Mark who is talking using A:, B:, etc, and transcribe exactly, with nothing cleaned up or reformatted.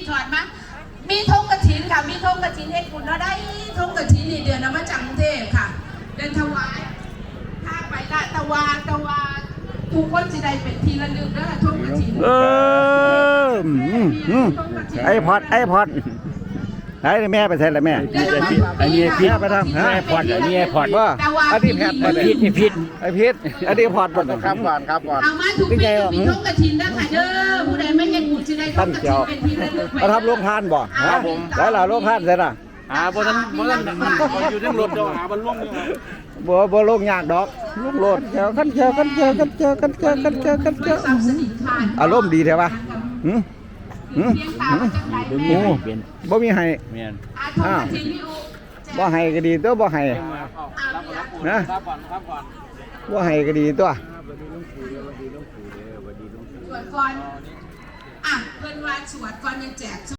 A: ถอดมามีธงกฐินค่ะมีธงกฐินเฮ็ดบุญแล้วได้ธงกฐินนี่เดือนนำมาจากกรุงเทพค่ะเดินถวายถ้าไปละตะวาตะวาทุกคนสิได้เป็นทีละลึกแล้วธงกฐิน
B: เออไอพอดไอพอดไอ้แม่ไปใส่ละแม่ไอ้นี่พิษไปทำไอ้พอดไอ้นี่ไอ้พอดว่าอันนี้แพทย์ไอ้พิษไอ้พิษไอ้พิษอันนี้พอดหมดครับก่อนครับก่อน
A: เอามาทุกปีมีธงกฐินนะค่ะเด้อผู้ใดไม่เห็นบุญสิได้ธงกฐินเป็นทีละลึกไป
B: ทำโรงทานบ่ครับผมแล้วล่ะโรงทานเสร็จละ
C: หาบนนั้นบนนั้นอยู่ในรถเดี๋ยวหาบนล่วง
B: บ่บ่ลงยากดอกลุงโลดเจอกันเจอกันเจอกันเจอกันเจอกันเจอกันเจออารมณ์ดีแท้ปะหืมหืมหืมบ่มีให้อ่าบ่ให้ก็ดีตัวบ่ให้นะบ่ให้ก็ดีตัว
A: สวดก่อนอ่ะเพิ่นว่าสวดก่อนยังแจก